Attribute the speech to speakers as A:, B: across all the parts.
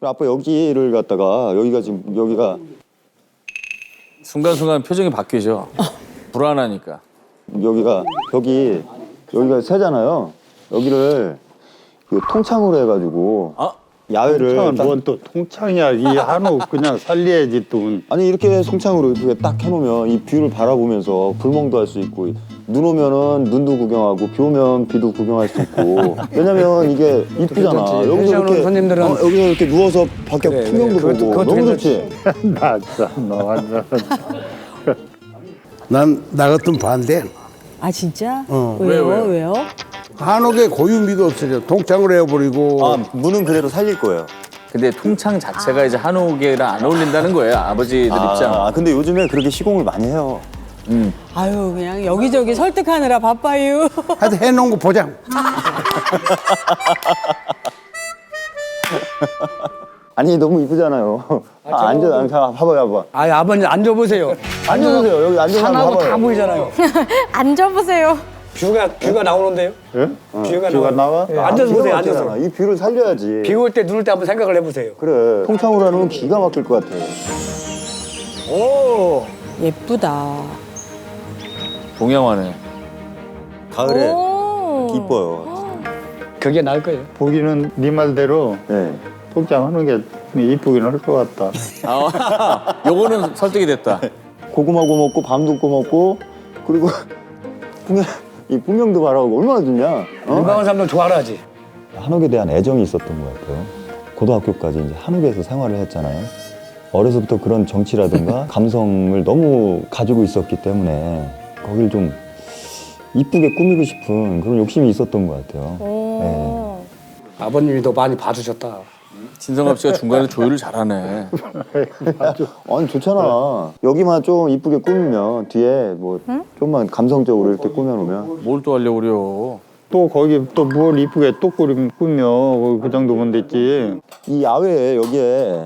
A: 아빠 여기를 갖다가 여기가 지금 여기가
B: 순간순간 표정이 바뀌죠. 불안하니까.
A: 여기가 여기가 새잖아요. 여기를 그 통창으로 해가지고 야외를
C: 통창은 뭔또 통창이야. 이 한옥 그냥 살려야지 또.
A: 아니 이렇게 송창으로 이렇게 딱 해놓으면 이 뷰를 바라보면서 불멍도 할 수 있고 눈 오면은 눈도 구경하고 비 오면 비도 구경할 수 있고 왜냐면 이게 이쁘잖아. 여기서 이렇게
D: 손님들은
A: 여기서 이렇게 누워서 밖에 풍경도 보고 너무 좋지.
C: 나 진짜 너 완전.
E: 난 나 같은 반대.
F: 아 진짜?
B: 왜요?
F: 왜요?
E: 한옥의 고유미도 없어져. 통창을 해버리고.
A: 아 문은 그대로 살릴 거예요.
B: 근데 통창 자체가 이제 한옥이랑 안 어울린다는 거예요. 아버지들 입장.
A: 아 근데 요즘에 그렇게 시공을 많이 해요.
F: 아유 그냥 여기저기 설득하느라 바빠요.
E: 하여튼 해놓은 거 보자.
A: 아니 너무 이쁘잖아요. 앉아 봐봐요.
D: 아 아버님 앉아보세요.
A: 앉아보세요. 여기 앉아서 한번
D: 산하고 다
A: 봐봐요.
D: 보이잖아요.
G: 앉아보세요.
D: 뷰가 나오는데요.
C: 예?
D: 뷰가
C: 나와?
D: 예, 앉아서 보세요.
A: 뷰가
D: 앉아서.
A: 맞잖아. 이 뷰를 살려야지.
D: 비 올 때 눈 올 때 한번 생각을 해보세요.
A: 그래. 통창으로 하면 기가 막힐 것 같아.
D: 오.
F: 예쁘다.
B: 동양화네.
A: 가을에
G: 오.
A: 이뻐요.
D: 그게 나을 거예요.
C: 보기는 네 말대로
A: 네.
C: 통창하는 게 이쁘긴 할 것 같다.
B: 요거는 설득이 됐다.
A: 고구마고 먹고 밤도 구먹고 그리고 이 풍경도 바라보고 얼마나 좋냐.
D: 건강한 사람들 좋아하지.
A: 한옥에 대한 애정이 있었던 것 같아요. 고등학교까지 이제 한옥에서 생활을 했잖아요. 어려서부터 그런 정치라든가 감성을 너무 가지고 있었기 때문에 거길 좀 이쁘게 꾸미고 싶은 그런 욕심이 있었던 것 같아요.
G: 오.
D: 아버님이 더 많이 봐주셨다.
B: 진성갑 씨가 중간에 조율을 잘하네.
A: 아니 좋잖아. 여기만 좀 이쁘게 꾸미면 뒤에 뭐 좀만 감성적으로 이렇게 꾸며놓으면
B: 뭘 또 하려고 그래요.
C: 또 거기 또 뭘 이쁘게 또 꾸며 그 정도면 됐지.
A: 이 야외에 여기에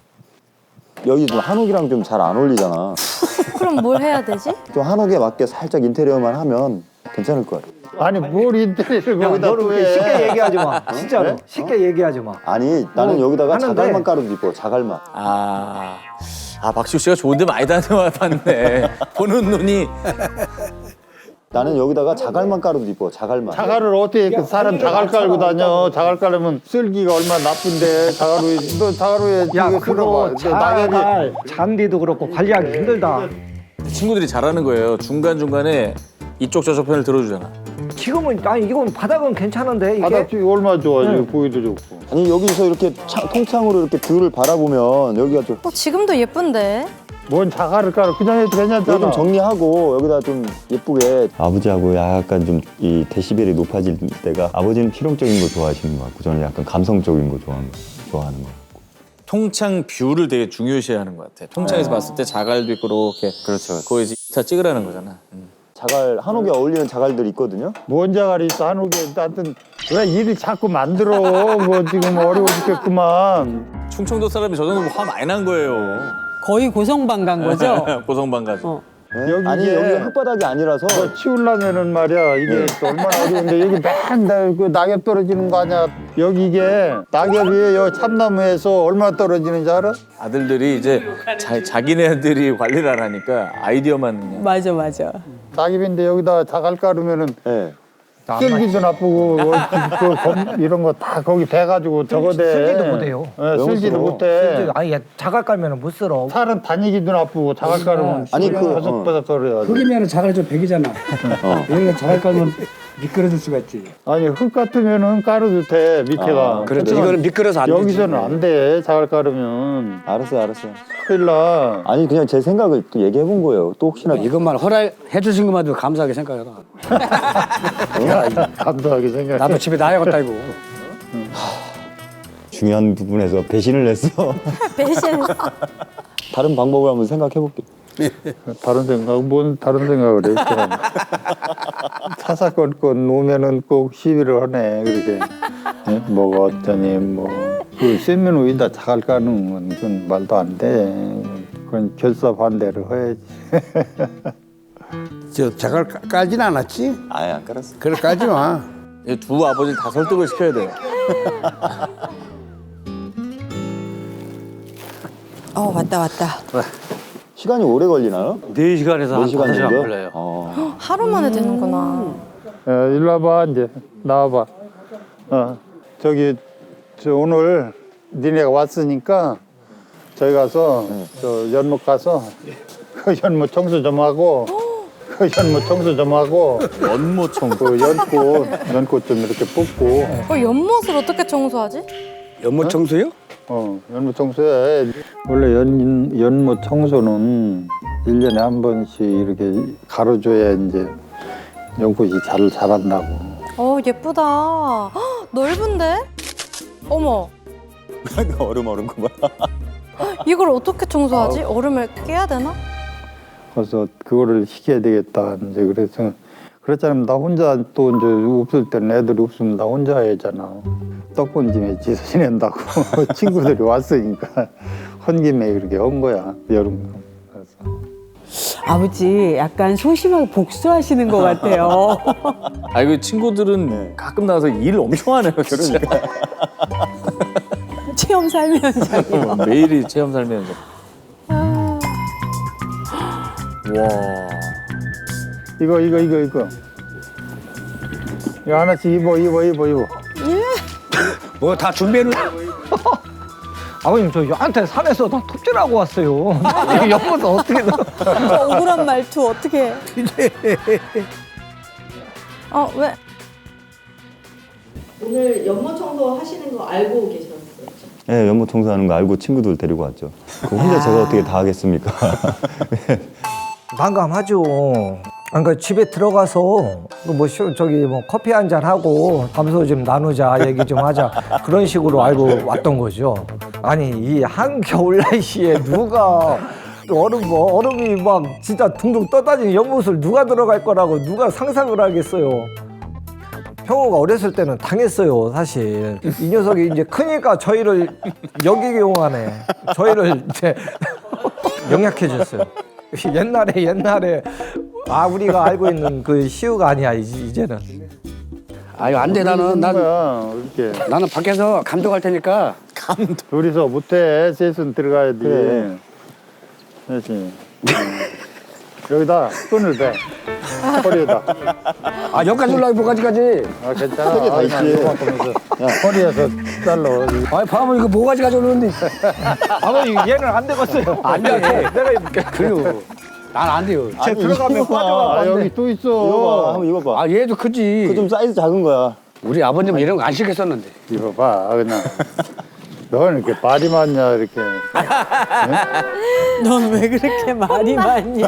A: 여기 좀 한옥이랑 좀 잘 안 어울리잖아.
G: 그럼 뭘 해야 되지?
A: 좀 한옥에 맞게 살짝 인테리어만 하면 괜찮을 것 같아.
C: 아니 뭘 인테리어를 거기다
H: 너는
C: 또
H: 그렇게
C: 해.
H: 쉽게 얘기하지 마. 진짜로.
A: 네?
H: 쉽게 얘기하지 마.
A: 아니 나는 여기다가
H: 하는데.
A: 자갈만 깔아도 이뻐. 자갈만.
B: 박시우 씨가 좋은데 많이 다녀봤네. 보는 눈이.
A: 나는 여기다가 자갈만 깔아도 이뻐. 자갈만.
C: 자갈을 어떻게 그 사람 자갈 깔고 다녀. 자갈 깔으면 쓸기가 얼마나 나쁜데 자갈로 너 자갈로에
H: 야,
C: 이거
H: 그거
C: 쓸어봐. 낙엽이
H: 자갈 잔디도 그렇고 관리하기 힘들다.
B: 친구들이 잘하는 거예요. 중간중간에 이쪽 저쪽 편을 들어주잖아.
H: 지금은 아니 이건 바닥은 괜찮은데 이게
C: 바닥이 얼마나 좋아. 지금 보기도 좋고.
A: 아니 여기서 이렇게 통창으로 이렇게 뷰를 바라보면 여기가 좀
G: 지금도 예쁜데.
C: 뭔 자갈을 깔아. 그냥 해도
A: 여기
C: 괜찮잖아.
A: 좀 정리하고 여기다 좀 예쁘게 아버지하고 약간 좀 이 데시벨이 높아질 때가 아버지는 실용적인 거 좋아하시는 것 같고 저는 약간 감성적인 거 좋아하는 거.
B: 통창 뷰를 되게 중요시하는 것 같아. 통창에서 봤을 때 자갈도 있고 이렇게. 그렇죠. 거기서 인스타 찍으라는 거잖아.
A: 자갈 한옥에 어울리는 자갈들이 있거든요.
C: 뭔 자갈이 있어 한옥에. 하여튼 왜 일이 자꾸 만들어. 뭐 지금 어려워 죽겠구만.
B: 충청도 사람이 저 정도 화 많이 난 거예요.
F: 거의 고성방 간 거죠?
B: 고성방 가지.
A: 네?
C: 여기
A: 아니
C: 이게-
A: 여기 흙바닥이 아니라서
C: 뭐 치우려면은 말이야 이게 또 얼마나 어려운데 여기 맨날 그 낙엽 떨어지는 거 아니야. 여기 이게 낙엽이 여기 참나무에서 얼마나 떨어지는지 알아?
B: 아들들이 이제 자기네들이 관리를 안 하니까 아이디어만 그냥.
F: 맞아.
C: 낙엽인데 여기다 자갈 깔으면은
A: 네.
C: 쓸기도 나쁘고 이런 거 다 거기 배가지고 저거 돼.
H: 쓸지도 못해요.
C: 네, 쓸지도 못해.
H: 아니 자갈 깔면은 못 쓸어.
C: 살은 다니기도 나쁘고 자갈 깔으면
A: 아니, 그,
C: 바삭바삭 거려야 돼.
D: 흙이면 자갈이 좀 백이잖아. 여기가 자갈 깔면 미끄러질 수가 있지.
C: 아니 흙 같으면은 깔아도 돼 밑에가.
D: 그렇죠. 이거는 미끄러서 안 되지.
C: 여기서는 안 돼. 자갈 깔으면
A: 알았어요.
C: 큰일 나.
A: 아니 그냥 제 생각을 또 얘기해 본 거예요. 또 혹시나
D: 이것만 허락해 주신 것만도 감사하게 생각해라.
C: 감사하게 생각해.
D: 나도 집에 놔야겠다 이거.
A: 중요한 부분에서 배신을 했어.
G: 배신.
A: 다른 방법을 한번 생각해 볼게.
C: 다른 생각, 뭔 다른 생각을 해. 이 사람. 사사건건 놓으면은 꼭 시비를 하네, 그렇게. 예? 뭐가 어쩌니, 뭐. 그 세면 위에다 자갈 까는 건 그건 말도 안 돼. 그건 결사 반대를 해야지.
E: 저 자갈 깔진 않았지?
A: 아예 안 깔았어.
E: 그래 깔지 마.
B: 이 두 아버지를 다 설득을 시켜야 돼요.
F: 왔다 왔다.
A: 시간이 오래 걸리나요?
I: 4시간에서 한
A: 4시간
I: 5시간
A: 정도?
I: 걸려요.
G: 하루 만에 되는구나.
C: 일로 와봐 이제 나와봐. 저기 저 오늘 니네가 왔으니까 저희 가서 저 연못 가서 그 연못 청소 좀 하고 그 연못 청소 좀 하고
B: 연못 청소.
C: 그 연꽃 좀 이렇게 뽑고
G: 연못을 어떻게 청소하지?
E: 연못 청소요?
C: 연못 청소해. 원래 연못 청소는 1년에 한 번씩 이렇게 가로줘야 이제 연꽃이 잘 자란다고.
G: 예쁘다. 헉, 넓은데? 어머,
A: 얼음 그만.
G: 이걸 어떻게 청소하지? 얼음을 깨야 되나?
C: 그래서 그거를 시켜야 되겠다. 이제 그래서 그렇잖아요. 나 혼자 또 이제 없을 때는 애들이 없으면 나 혼자 해야잖아. 떡본짐에 지서 지낸다고 친구들이 왔으니까 헌 김에 이렇게 한 거야 여름. 그래서
F: 아버지 약간 소심하게 복수하시는 것 같아요.
B: 그 친구들은 가끔 나와서 일 엄청 하네요. 진짜.
F: 체험 삶 현장이요.
B: 매일이 체험 살면서. 와.
C: 이거 이거 하나씩 입어.
E: 뭐 다 준비해놓은
H: 아버님 저 여한테 산에서 다 톱질하고 왔어요. 이거 연못은 어떻게 넣어?
F: 저 억울한 말투 어떻게 해?
G: 왜?
J: 오늘 연못 청소 하시는 거 알고 계셨었죠?
A: 네, 연못 청소하는 거 알고 친구들 데리고 왔죠. 그 혼자 제가 어떻게 다 하겠습니까?
H: 난감하죠. 그러니까 집에 들어가서 저기 커피 한 잔 하고 담소 좀 나누자 얘기 좀 하자 그런 식으로 알고 왔던 거죠. 아니 이 한겨울 날씨에 누가 얼음이 막 진짜 둥둥 떠다니는 연못을 누가 들어갈 거라고 누가 상상을 하겠어요. 형우가 어렸을 때는 당했어요, 사실. 이 녀석이 이제 크니까 저희를 역이용하네. 저희를 이제 영약해졌어요. 옛날에 우리가 알고 있는 그 시우가 아니야 이제는.
E: 아유 안 돼 나는
C: 이렇게
E: 나는 밖에서 감독할 테니까.
C: 둘이서 못해. 셋은 들어가야 돼.
A: 그래.
C: 그렇지. 여기다 끈을 대. 허리에다.
E: 여기까지 올라가 뭐가지까지.
C: 괜찮아.
A: 세개 다 있지.
C: 허리에서 잘라.
E: 봐봐 이거 뭐가지 가져오는데.
H: 아버님 얘는 안 되겠어요.
E: 안 돼. 내가 입을게. 그래요. 난 안 돼요.
C: 쟤 들어가면 빠져가. 여기 또 있어.
A: 이거 봐, 한번 이거 봐.
E: 얘도 크지.
A: 그 좀 사이즈 작은 거야.
E: 우리 아버님 이런 거 안 시켰었는데.
C: 이거 봐. 그냥. 넌 이렇게 말이 많냐 이렇게.
F: 넌 왜 그렇게 말이 많냐?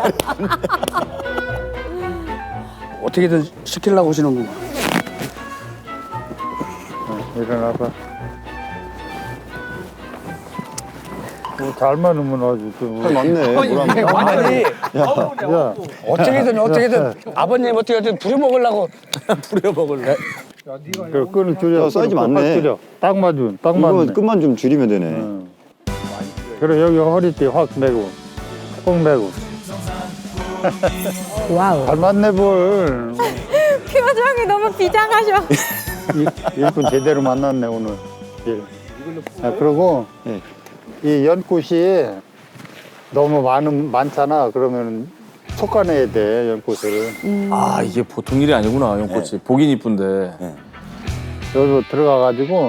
E: 어떻게든 시키려고 오시는구만.
C: 일어나봐. 잘 많으면 아주 좀.
A: 맞네.
E: 아니
C: 야,
E: 어떻게든 아버님 어떻게든 부려먹으려고.
B: 부려먹을래?
C: 그 끈을 줄여.
A: 사이즈
C: 끈을
A: 많네.
C: 확 줄여. 딱 맞네.
A: 이거 끝만 좀 줄이면 되네.
C: 그래 여기 허리띠 확 매고, 꼭 매고.
F: 와우.
C: 잘 맞네 볼.
G: 표정이 너무 비장하셔.
C: 일꾼 제대로 만났네 오늘. 그리고
A: 네.
C: 이 연꽃이 너무 많잖아. 그러면 솎아내야 돼 연꽃을.
B: 이게 보통 일이 아니구나, 연꽃이. 보긴 이쁜데.
C: 여기로 들어가가지고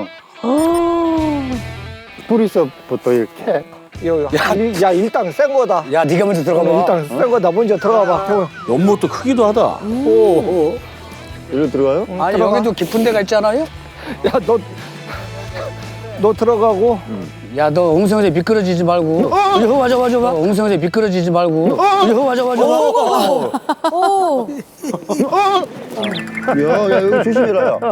C: 뿌리서부터 이렇게.
H: 야 일단 센 거다.
E: 야 네가 먼저 들어가 봐.
H: 일단 센 거다. 먼저 들어가 봐. 형우.
B: 연못도 크기도 하다.
A: 여기로 들어가요?
E: 아니 여기도 깊은 데가 있잖아요.
H: 야 너 들어가고.
E: 야 너 엉성하게 미끄러지지 말고. 이리 와줘. 엉성하게 미끄러지지 말고. 이리 와줘.
G: 오,
A: 야, 여기 조심해라, 야.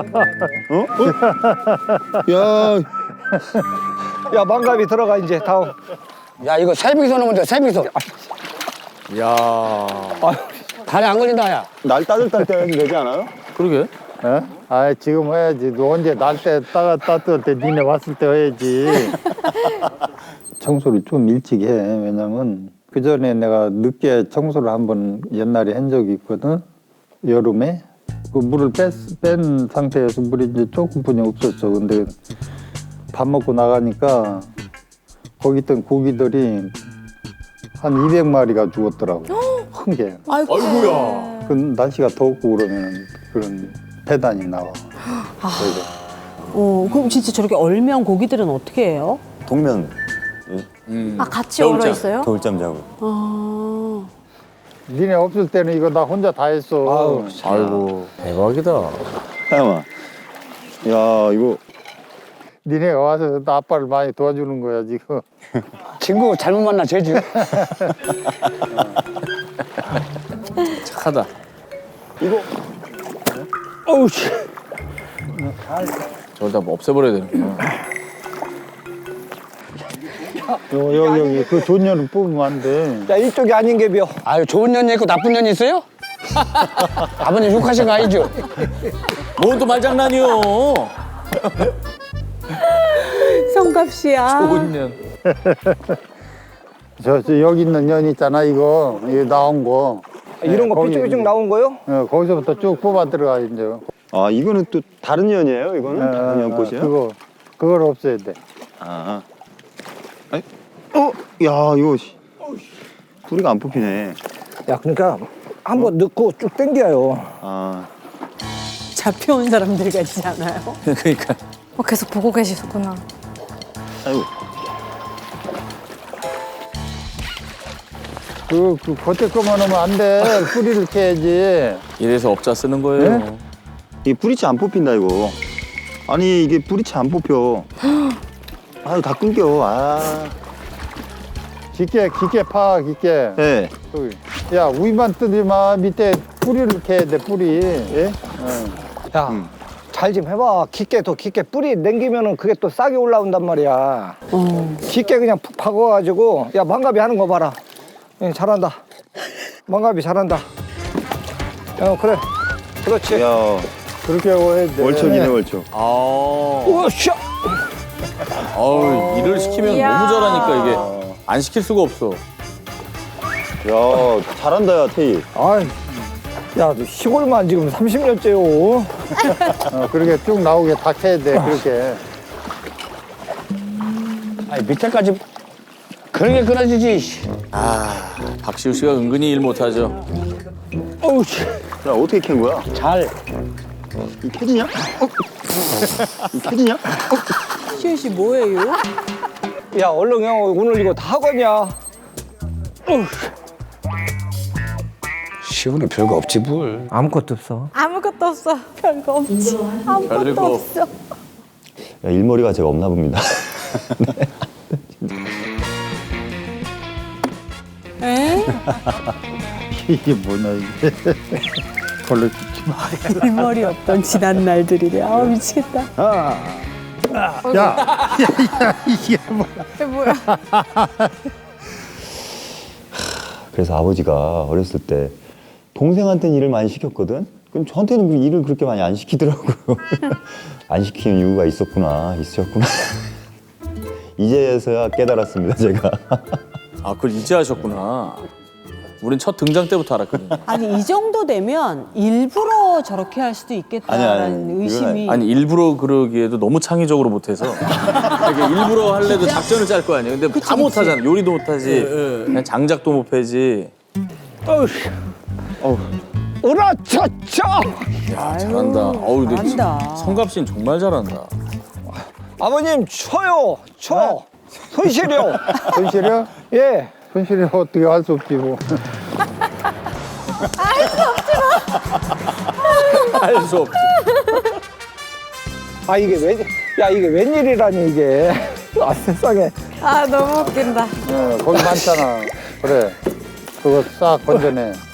A: 야,
H: 야 망갑이 들어가 이제 다음.
E: 야 이거 세빙선 오면 돼. 세빙선.
B: 야
E: 다리 안 걸린다 야.
A: 날 따뜻할 때 해도 되지 않아요?
B: 그러게.
C: 지금 해야지. 너 언제 날 때 따뜻할 때 니네 왔을 때 해야지. 청소를 좀 일찍 해. 왜냐면 그 전에 내가 늦게 청소를 한번 옛날에 한 적이 있거든. 여름에 그 물을 뺀 상태에서 물이 이제 조금뿐이 없었어. 근데 밥 먹고 나가니까 거기 있던 고기들이 한 200마리가 죽었더라고. 큰 게.
B: 아이고야.
C: 그 날씨가 덥고 그러면 그런 배단이 나와.
F: 그럼 진짜 저렇게 얼면 고기들은 어떻게 해요?
A: 동면
G: 아 같이
B: 겨울잠.
G: 얼어 있어요?
A: 겨울잠 자고.
F: 아,
C: 니네 없을 때는 이거 나 혼자 다 했어.
B: 아이고 대박이다.
A: 잠깐만. 야 이거
C: 니네가 와서 나 아빠를 많이 도와주는 거야 지금.
E: 친구 잘못 만나 죄지.
B: 착하다.
E: 어우 씨.
B: 저걸 다 뭐 없애버려야 되는구나.
C: 여기 그 존년을 뽑으면 안 돼.
H: 야 이쪽이 아닌 게 벼.
E: 아유 좋은 년이 있고 나쁜 년이 있어요? 아버님 욕하신 거 아니죠?
B: 뭔 또 말장난이요.
F: 성갑씨야.
B: 좋은 년.
C: 저 여기 있는 년 있잖아 이거 나온 거.
H: 이런 거
C: 거기
H: 삐쭉삐쭉
C: 이제,
H: 나온 거요?
C: 거기서부터 쭉 뽑아 들어가 이제.
A: 아 이거는 또 다른 연이에요? 이거는 다른 연꽃이에요?
C: 그걸 없애야 돼.
A: 아. 아니, 야 이거 뿌리가 안 뽑히네.
H: 야 그러니까 한번 넣고 쭉 당겨요.
A: 아.
F: 잡혀온 사람들 같지 않아요?
B: 그러니까
G: 계속 보고 계시구나.
A: 아이고.
C: 그 겉에 거만 하면 안 돼. 뿌리를 캐야지.
B: 이래서 업자 쓰는 거예요.
A: 이게 뿌리채 안 뽑힌다 이거. 아니 이게 뿌리채 안 뽑혀. 아유 다 끊겨. 아.
C: 깊게 파 깊게.
A: 네.
C: 야 위만 뜨지 마. 밑에 뿌리를 캐야 돼 뿌리.
A: 예?
H: 야, 잘 좀 해봐. 깊게 더 깊게 뿌리 남기면은 그게 또 싹이 올라온단 말이야. 깊게 그냥 푹 박아가지고 야 망갑이 하는 거 봐라. 잘한다. 망갑이 잘한다. 그래. 그렇지.
A: 야
C: 그렇게 하고 해야 돼.
A: 월척이네 월척.
H: 우샤.
B: 아우 일을 시키면
G: 이야.
B: 너무 잘하니까 이게 안 시킬 수가 없어.
A: 야 잘한다 야 태희.
H: 아이, 야, 너 시골만 지금 30년째요.
C: 그렇게 쭉 나오게 다 캐야 돼. 그렇게.
E: 아니 밑에까지 그런 게 끊어지지.
B: 박시우 씨가 은근히 일 못하죠.
E: 어우 씨.
A: 야 어떻게 캔 거야?
E: 잘.
A: 이 캐지냐? 이 캐지냐?
F: 시현 씨 뭐예요?
H: 야, 얼른 형 오늘 이거 다 하거냐?
E: 시원은 별거 없지 뭘.
H: 아무것도 없어.
G: 아무것도 없어. 별거 없지. 아무것도
B: 별거
G: 없어.
A: 야, 일머리가 제가 없나 봅니다.
F: 에?
C: 이게 뭐냐 이게. 걸로 죽지 마.
F: 일머리 없던 지난 날들이래. 아 미치겠다.
C: 야 이게 뭐.
G: 이게 뭐야?
A: 그래서 아버지가 어렸을 때 동생한테는 일을 많이 시켰거든. 그럼 저한테는 그 일을 그렇게 많이 안 시키더라고요. 안 시키는 이유가 있으셨구나. 이제서야 깨달았습니다, 제가.
B: 아 그걸 이제 하셨구나. 우린 첫 등장 때부터 알았거든요.
F: 아니 이 정도 되면 일부러 저렇게 할 수도 있겠다라는
A: 아니, 이건
F: 의심이.
B: 아니 일부러 그러기에도 너무 창의적으로 못해서 이게 일부러 할래도 작전을 짤 거 아니에요. 근데 다 못하잖아. 요리도 못하지. 그냥 장작도 못 패지.
H: 으라차차!
B: 야 잘한다. 어우 근데
F: 잘한다.
B: 성갑씨는 정말 잘한다.
H: 아버님, 쳐요! 쳐! 손실이요!
C: 손실이야?
H: 예.
C: 손실이 어떻게 할 수 없지 뭐.
B: 할 수 없지.
H: 아, 이게 이게 웬일이라니, 이게. 아, 세상에.
G: 아 너무 웃긴다.
C: 거기 많잖아. 그래. 그거 싹 건져내.